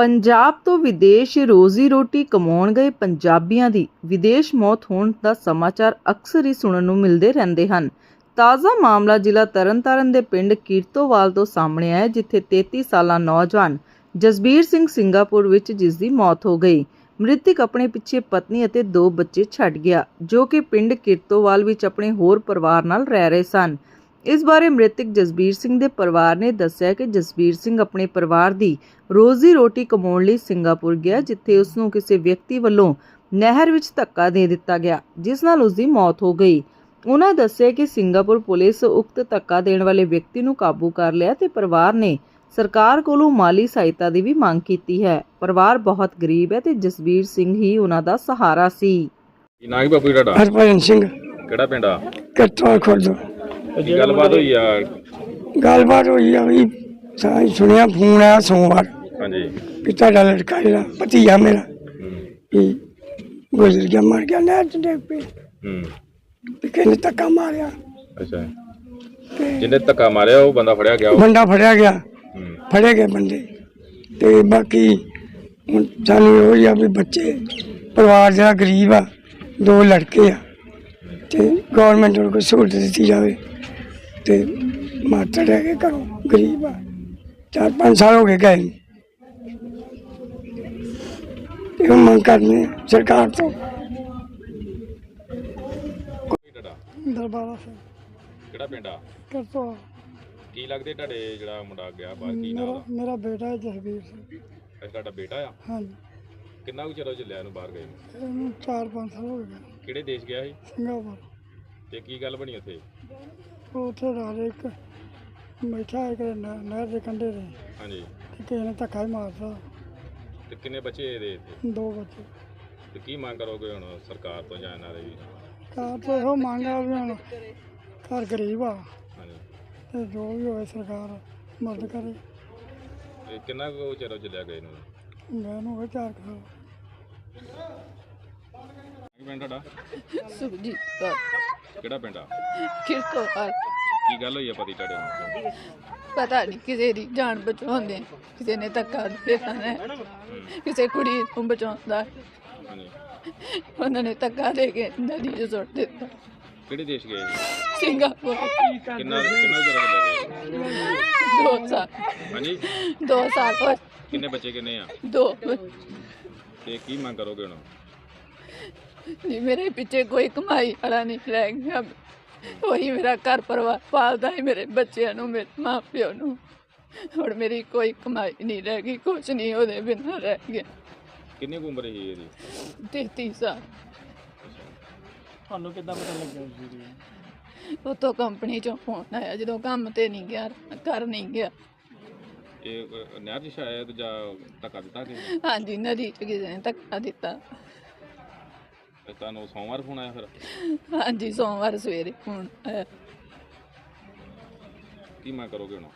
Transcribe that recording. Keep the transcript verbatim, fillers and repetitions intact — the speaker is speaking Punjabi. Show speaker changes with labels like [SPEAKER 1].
[SPEAKER 1] ਪੰਜਾਬ ਤੋਂ ਵਿਦੇਸ਼ ਰੋਜ਼ੀ ਰੋਟੀ ਕਮਾਉਣ ਗਏ ਪੰਜਾਬੀਆਂ ਦੀ ਵਿਦੇਸ਼ ਮੌਤ ਹੋਣ ਦਾ ਸਮਾਚਾਰ ਅਕਸਰ ਹੀ ਸੁਣਨ ਨੂੰ ਮਿਲਦੇ ਰਹਿੰਦੇ ਹਨ। ਤਾਜ਼ਾ ਮਾਮਲਾ ਜ਼ਿਲ੍ਹਾ ਤਰਨਤਾਰਨ ਦੇ ਪਿੰਡ ਕੀਰਤੋਵਾਲ ਤੋਂ ਸਾਹਮਣੇ ਆਇਆ, ਜਿੱਥੇ ਤੇਤੀ ਸਾਲਾ ਨੌਜਵਾਨ ਜਸਬੀਰ ਸਿੰਘ ਸਿੰਗਾਪੁਰ ਵਿੱਚ ਜਿਸ ਦੀ ਮੌਤ ਹੋ ਗਈ। ਮ੍ਰਿਤਕ ਆਪਣੇ ਪਿੱਛੇ ਪਤਨੀ ਅਤੇ ਦੋ ਬੱਚੇ ਛੱਡ ਗਿਆ, ਜੋ ਕਿ ਪਿੰਡ ਕੀਰਤੋਵਾਲ ਵਿੱਚ ਆਪਣੇ ਹੋਰ ਪਰਿਵਾਰ ਨਾਲ ਰਹਿ ਰਹੇ ਸਨ। ਇਸ ਬਾਰੇ ਮ੍ਰਿਤਕ ਜਸਬੀਰ ਸਿੰਘ ਦੇ ਪਰਿਵਾਰ ਨੇ ਦੱਸਿਆ ਕਿ ਜਸਬੀਰ ਸਿੰਘ ਆਪਣੇ ਪਰਿਵਾਰ ਦੀ ਰੋਜ਼ੀ ਰੋਟੀ ਕਮਾਉਣ ਲਈ ਸਿੰਗਾਪੁਰ ਗਿਆ, ਜਿੱਥੇ ਉਸ ਨੂੰ ਕਿਸੇ ਵਿਅਕਤੀ ਵੱਲੋਂ ਨਹਿਰ ਵਿੱਚ ਧੱਕਾ ਦੇ ਦਿੱਤਾ ਗਿਆ, ਜਿਸ ਨਾਲ ਉਸ ਦੀ ਮੌਤ ਹੋ ਗਈ। ਉਹਨਾਂ ਦੱਸਿਆ ਕਿ ਸਿੰਗਾਪੁਰ ਪੁਲਿਸ ਉਕਤ ਧੱਕਾ ਦੇਣ ਵਾਲੇ ਵਿਅਕਤੀ ਨੂੰ ਕਾਬੂ ਕਰ ਲਿਆ ਤੇ ਪਰਿਵਾਰ ਨੇ ਸਰਕਾਰ ਕੋਲੋਂ ਮਾਲੀ ਸਹਾਇਤਾ ਦੀ ਵੀ ਮੰਗ ਕੀਤੀ ਹੈ। ਪਰਿਵਾਰ ਬਹੁਤ ਗਰੀਬ ਹੈ ਤੇ ਜਸਬੀਰ ਸਿੰਘ ਹੀ ਉਹਨਾਂ ਦਾ ਸਹਾਰਾ ਸੀ।
[SPEAKER 2] ਕੀ ਨਾਂ ਹੈ ਬਾਪੂ ਤੁਹਾਡਾ?
[SPEAKER 3] ਹਰਭਜਨ ਸਿੰਘ।
[SPEAKER 2] ਕਿਹੜਾ ਪਿੰਡ ਆ?
[SPEAKER 3] ਕਿਰਤੋਵਾਲ ਖੁਰਦ।
[SPEAKER 2] ਕੀ ਗੱਲਬਾਤ ਹੋਈ ਆ?
[SPEAKER 3] ਗੱਲਬਾਤ ਹੋਈ ਆ ਵੀ ਸਾਂ ਸੁਣਿਆ ਫੋਨ ਆਇਆ ਸੋਮਵਾਰ
[SPEAKER 2] ਹਾਂਜੀ
[SPEAKER 3] ਵੀ ਤੁਹਾਡਾ ਲੜਕਾ ਜਿਹੜਾ ਭਤੀਜਾ ਮੇਰਾ ਵੀ ਗੁਜ਼ਰ ਗਿਆ, ਮਰ ਗਿਆ ਨਹਿਰ ਚ ਡਿੱਗ ਪਈ।
[SPEAKER 2] ਹੂੰ
[SPEAKER 3] ਵੀ ਕਿਹਨੇ ਧੱਕਾ ਮਾਰਿਆ
[SPEAKER 2] ਅੱਛਾ,
[SPEAKER 3] ਤੇ
[SPEAKER 2] ਜਿਹਨੇ ਧੱਕਾ ਮਾਰਿਆ ਉਹ ਬੰਦਾ ਫੜਿਆ ਗਿਆ? ਉਹ
[SPEAKER 3] ਬੰਦਾ ਫੜਿਆ ਗਿਆ,
[SPEAKER 2] ਹੂੰ
[SPEAKER 3] ਫੜੇ ਗਏ ਬੰਦੇ। ਤੇ ਬਾਕੀ ਹੁਣ ਸਾਨੂੰ ਇਹੋ ਹੀ ਆ ਵੀ ਬੱਚੇ ਪਰਿਵਾਰ ਜਿਹੜਾ ਗਰੀਬ ਆ, ਦੋ ਲੜਕੇ ਆ, ਤੇ ਗੌਰਮੈਂਟ ਨੂੰ ਕੋਈ ਸਹੂਲਤ ਦਿੱਤੀ ਜਾਵੇ। ਤੇ ਮਾਤਾ ਰਹਿ ਕੇ ਘਰੋਂ ਗਰੀਬ ਆ, ਚਾਰ ਪੰਜ ਸਾਲ ਹੋ ਗਏ ਗਏ ਨੂੰ। ਤੇ ਉਹ ਮੰਗ ਕਰਨੇ ਸਰਕਾਰ ਤੋਂ।
[SPEAKER 2] ਤੁਹਾਡਾ
[SPEAKER 3] ਦਰਬਾਰਾ ਸਿੰਘ।
[SPEAKER 2] ਕਿਹੜਾ ਪਿੰਡ ਆ?
[SPEAKER 3] ਕਰਤੋਵਾਲ।
[SPEAKER 2] ਕੀ ਲੱਗਦੇ ਤੁਹਾਡੇ ਜਿਹੜਾ ਮੁੰਡਾ ਗਿਆ ਬਾਹਰ? ਕੀ
[SPEAKER 3] ਮੇਰਾ
[SPEAKER 2] ਨਾਮ?
[SPEAKER 3] ਮੇਰਾ ਬੇਟਾ ਹੈ ਜਸਬੀਰ ਸਿੰਘ।
[SPEAKER 2] ਅੱਛਾ, ਤੁਹਾਡਾ ਬੇਟਾ ਆ?
[SPEAKER 3] ਹਾਂਜੀ,
[SPEAKER 2] ਕਿੰਨਾ ਕੁ ਚਿਰ ਹੋ ਚੱਲਿਆ ਇਹਨੂੰ ਬਾਹਰ ਗਏ ਨੂੰ?
[SPEAKER 3] ਇਹਨੂੰ ਚਾਰ ਪੰਜ ਸਾਲ ਹੋ ਗਏ।
[SPEAKER 2] ਕਿਹੜੇ ਦੇਸ਼ ਗਿਆ ਸੀ
[SPEAKER 3] ਸਿੰਗਾਪੁਰ।
[SPEAKER 2] ਤੇ ਕੀ ਗੱਲ ਬਣੀ ਉੱਥੇ?
[SPEAKER 3] ਉਹ ਉੱਥੇ ਰਾਜ ਇੱਕ ਬੈਠਾ ਹੈ ਕਿ ਨਹਿਰ ਦੇ ਕੰਢੇ ਤੇ,
[SPEAKER 2] ਹਾਂਜੀ,
[SPEAKER 3] ਤੇ ਕਿਸੇ ਨੇ ਧੱਕਾ ਹੀ ਮਾਰਤਾ।
[SPEAKER 2] ਤੇ ਕਿੰਨੇ ਬੱਚੇ ਇਹਦੇ ਇੱਥੇ?
[SPEAKER 3] ਦੋ ਬੱਚੇ।
[SPEAKER 2] ਤੇ ਕੀ ਮੰਗ ਕਰੋਗੇ ਹੁਣ ਸਰਕਾਰ ਤੋਂ ਜਾਂ ਇਹਨਾਂ ਦੇ ਵੀ?
[SPEAKER 3] ਕਾਰ ਤੋਂ ਇਹੋ ਮੰਗ ਆ ਵੀ ਹੁਣ ਘਰ ਗਰੀਬ ਆ,
[SPEAKER 2] ਹਾਂਜੀ,
[SPEAKER 3] ਤੇ ਜੋ ਵੀ ਹੋਵੇ ਸਰਕਾਰ ਮਦਦ ਕਰੇ।
[SPEAKER 2] ਤੇ ਕਿੰਨਾ ਕੁ ਚਿਰ ਹੋ ਚੱਲਿਆ ਗਏ ਨੂੰ?
[SPEAKER 3] ਮੈਂ ਨੂੰ ਹੋਵੇ ਚਾਰ ਕੁ ਸਾਲ।
[SPEAKER 2] ਕੀ ਪਿੰਡ ਤੁਹਾਡਾ?
[SPEAKER 4] ਸੁਖਜੀਤ ਕੌਰ।
[SPEAKER 2] ਕਿਹੜਾ ਪਿੰਡ ਆ?
[SPEAKER 4] ਕੀਰਤੋਵਾਲ।
[SPEAKER 2] ਕੀ ਗੱਲ ਹੋਈ ਆ ਪਤੀ ਤੁਹਾਡੇ ਨੂੰ?
[SPEAKER 4] ਪਤਾ ਨਹੀਂ ਕਿਸੇ ਦੀ ਜਾਨ ਬਚਾਉਂਦੇ, ਕਿਸੇ ਨੇ ਧੱਕਾ ਦੇ ਦਿੱਤਾ ਹੈ, ਕਿਸੇ ਕੁੜੀ ਨੂੰ ਬਚਾਉਂਦਾ,
[SPEAKER 2] ਹਾਂਜੀ,
[SPEAKER 4] ਉਹਨਾਂ ਨੇ ਧੱਕਾ ਦੇ ਕੇ ਨਦੀ 'ਚ ਸੁੱਟ ਦਿੱਤਾ।
[SPEAKER 2] ਕਿਹੜੇ ਦੇਸ਼ ਗਏ ਸੀ?
[SPEAKER 4] ਸਿੰਗਾਪੁਰ।
[SPEAKER 2] ਕਿੰਨਾ ਕਿੰਨਾ ਚਿਰ ਹੋ ਚੱਲਿਆ ਗਏ?
[SPEAKER 4] ਦੋ ਸਾਲ
[SPEAKER 2] ਹਾਂਜੀ,
[SPEAKER 4] ਦੋ ਸਾਲ ਹੋਏ।
[SPEAKER 2] ਕਿੰਨੇ ਬੱਚੇ ਕਿੰਨੇ ਆ?
[SPEAKER 4] ਦੋ।
[SPEAKER 2] ਤੇ ਕੀ ਮੰਗ ਕਰੋਗੇ ਹੁਣ?
[SPEAKER 4] ਜੀ ਮੇਰੇ ਪਿੱਛੇ ਕੋਈ ਕਮਾਈ ਵਾਲਾ ਨਹੀਂ ਰਹਿ ਗਿਆ, ਉਹੀ ਮੇਰਾ ਘਰ ਪਰਿਵਾਰ ਪਾਲਦਾ ਹੈ, ਮੇਰੇ ਬੱਚਿਆਂ ਨੂੰ, ਮੇਰੇ ਮਾਂ ਪਿਓ ਨੂੰ। ਹੁਣ ਮੇਰੀ ਕੋਈ ਕਮਾਈ ਨਹੀਂ ਰਹਿ ਗਈ, ਕੁਛ ਨਹੀਂ ਉਹਦੇ ਬਿਨਾਂ ਰਹਿ ਗਿਆ।
[SPEAKER 2] ਕਿੰਨੀ ਕੁ ਉਮਰ ਸੀ ਇਹਦੀ?
[SPEAKER 4] ਤੇਤੀ ਸਾਲ।
[SPEAKER 3] ਤੁਹਾਨੂੰ ਕਿੱਦਾਂ ਪਤਾ ਲੱਗਿਆ ਜੀ?
[SPEAKER 4] ਉਤੋਂ ਕੰਪਨੀ ਚੋਂ ਫੋਨ ਆਇਆ, ਜਦੋਂ ਕੰਮ ਤੇ ਨਹੀਂ ਗਿਆ, ਕਰ ਨਹੀਂ ਗਿਆ।
[SPEAKER 2] ਇਹ ਅਹ, ਨਹਿਰ 'ਚ ਸ਼ਾਇਦ ਜਾਂ ਧੱਕਾ ਦਿੱਤਾ ਕਿ
[SPEAKER 4] ਹਾਂਜੀ, ਨਦੀ 'ਚ ਕਿਸੇ ਨੇ ਧੱਕਾ ਦਿੱਤਾ।
[SPEAKER 2] ਤੁਹਾਨੂੰ ਸੋਮਵਾਰ ਫੋਨ ਆਇਆ ਫਿਰ?
[SPEAKER 4] ਹਾਂਜੀ, ਸੋਮਵਾਰ ਸਵੇਰੇ ਫੋਨ ਆਇਆ।
[SPEAKER 2] ਕੀ ਮੰਗ ਕਰੋਗੇ ਹੁਣ?